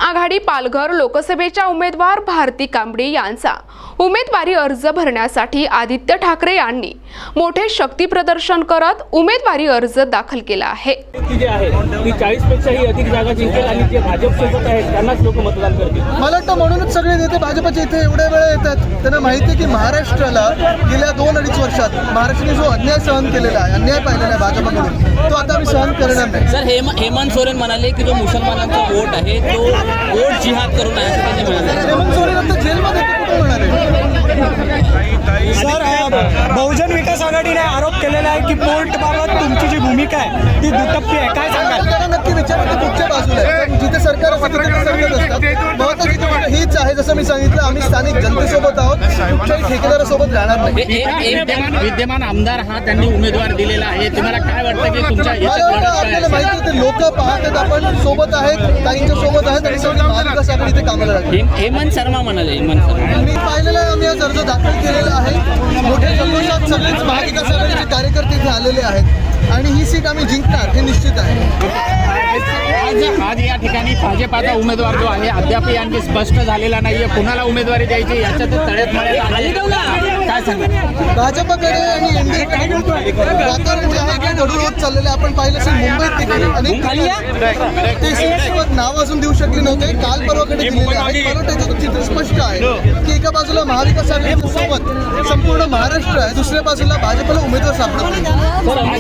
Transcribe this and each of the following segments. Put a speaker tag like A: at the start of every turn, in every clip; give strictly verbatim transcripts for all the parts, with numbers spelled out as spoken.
A: आघाडी पालघर लोकसभेच्या उमेदवार भारती कांबडी यांचा उमेदवारी अर्ज भरण्यासाठी आदित्य ठाकरे यांनी मोठे शक्ती प्रदर्शन करत उमेदवारी अर्ज दाखल केला आहे।
B: ती जे आहे ती चाळीस पेक्षाही अधिक जागा जिंकेल आणि जे भाजप सोबत आहेत त्यांनाच लोक मतदान करतील।
C: मला वाटतं म्हणूनच सगळे नेते भाजपचे इथे एवढ्या वेळा येतात। त्यांना माहिती आहे की महाराष्ट्राला गेल्या दोन अडीच वर्षात महाराष्ट्राने जो अन्याय सहन केलेला आहे, अन्याय पाहिलेला आहे भाजपकडून, तो आता आम्ही सहन करणार नाही।
D: सर हेम हेमंत सोरेन म्हणाले की जो मुसलमानांचा वोट आहे तो वोट जिहाद करून आहे असं त्यांनी म्हणाले।
C: हेमंत सोरेन आता जेलमध्ये कुठे म्हणाले?
E: सर बहुजन विकास आघाडीने आरोप केलेला आहे की पोर्टबाबत तुमची जी भूमिका आहे ती दुटप्पी आहे, काय सांगाल?
C: त्यांना नक्की विचारा की कुठच्या बाजूला आहे। कारण जिथे सरकार असतं तिथे ते सरकार असतात। महत्त्वाची गोष्ट हीच आहे, जसं मी सांगितलं, आम्ही स्थानिक जनतेसोबत आहोत, कुठच्याही ठेकेदारासोबत राहणार नाही।
D: ए- ए- विद्यमान विद्यमान आमदार हा त्यांनी उमेदवार दिलेला आहे, तुम्हाला काय वाटतं की तुमच्या
C: मला
D: याच्यात
C: वाटतं
D: लढत काय
C: आपल्याला
D: असेल?
C: माहिती आहे, लोक पाहतात, आपण सोबत आहेत, ताईंच्या सोबत आहेत आणि सगळी महाविकास आघाडी इथे कामाला लागली।
D: हेम- हेमंत शर्मा म्हणाले हेमंत शर्मा
C: मी पाहिलेलं आहे, आम्ही आज अर्ज दाखल केलेला आहे। मोठ्या जल्लोषात सगळेच महाविकास आघाडीचे कार्यकर्ते इथे आलेले आहेत आणि ही सीट आम्ही जिंकणार हे निश्चित आहे।
F: आज आज या ठिकाणी भाजपाचा उमेदवार जो आहे अद्याप आणखी स्पष्ट झालेला नाहीये, कुणाला उमेदवारी द्यायची याच्यात तळ्यात मळ्यात आहे। काय सांगा?
C: भाजपकडे आणि एनडीएकडे वातावरण जे आहे ते ढळून होत चाललेलं आहे। आपण पाहिलं असेल मुंबईत देखील अनेक ठिकाणी ते सीटसोबत नाव अजून देऊ शकले नव्हते, काल परवाकडे दिलेले आहे। मला त्याचं चित्र स्पष्ट आहे की एका बाजूला महाविकास आघाडीच्या सोबत संपूर्ण महाराष्ट्र आहे, दुसऱ्या बाजूला भाजपला उमेदवार सापडत नाही।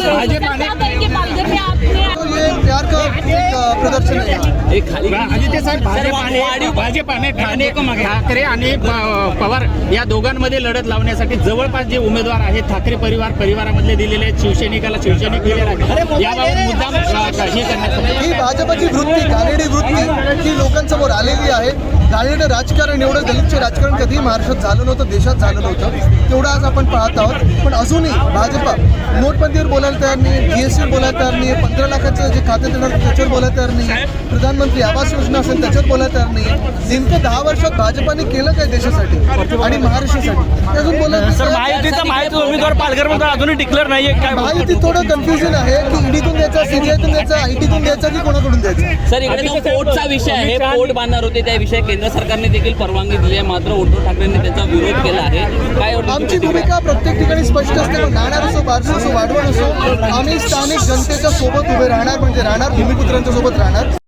C: तो ये प्यार का एक प्रदर्शन है।
D: एक खाली
F: आदित्य साहेब, भाजपाने भाजपाने ठाणे ठाकरे आणि प- पवार या दोघांमध्ये लढत लावण्यासाठी जवळपास जे उमेदवार आहेत ठाकरे परिवार परिवारामधले दिलेले आहेत, शिवसैनिकाला शिवसैनिक दिलेला आहे, याबाबत मुद्दाम अ, हे करण्यात
C: ही भाजपची वृत्ती, घाणेरडी वृत्ती ही लोकांसमोर आलेली आहे। घाणेरडं राजकारण, एवढं दलितचे राजकारण कधी महाराष्ट्रात झालं नव्हतं, देशात झालं नव्हतं, तेवढं आज आपण पाहत आहोत। पण अजूनही भाजप नोटबंदीवर बोलायला तयार नाही, जीएसटीवर बोलायला तयार नाही, पंधरा लाखाचं जे खाते देणार त्याच्यावर बोलायला तयार नाही, प्रधानमंत्री आवास योजना असेल त्याच्यावर बोलायला तयार नाही। नेमकं दहा वर्षात भाजपाने केलं काय देशासाठी आणि महाराष्ट्रासाठी अजून बोलायला
E: सर महायुतीचा महायुतीचा उमेदवार पालघरमध्ये अजूनही डिक्लेअर नाहीये, काय
C: महायुती थोडं कन्फ्युजन आहे की ईडीतून द्यायचा, सीबीआयतून द्यायचा, आयटीतून द्यायचा की कोणाकडून द्यायचा।
D: सर इकडे जो पोर्टचा विषय आहे, पोर्ट बांधणार होते त्या विषयी केंद्र सरकारने देखील परवानगी दिली आहे, मात्र उद्धव ठाकरेंनी त्याचा विरोध केला आहे। काय वाटतं
C: आमची
D: तुम्ही?
C: भूमिका प्रत्येक ठिकाणी स्पष्ट असते। मग नाणार असो, बारसो असो, वाढवण असो, आम्ही स्थानिक जनतेच्या सोबत उभे राहणार, म्हणजे राहणार, भूमिपुत्रांच्या सोबत राहणार।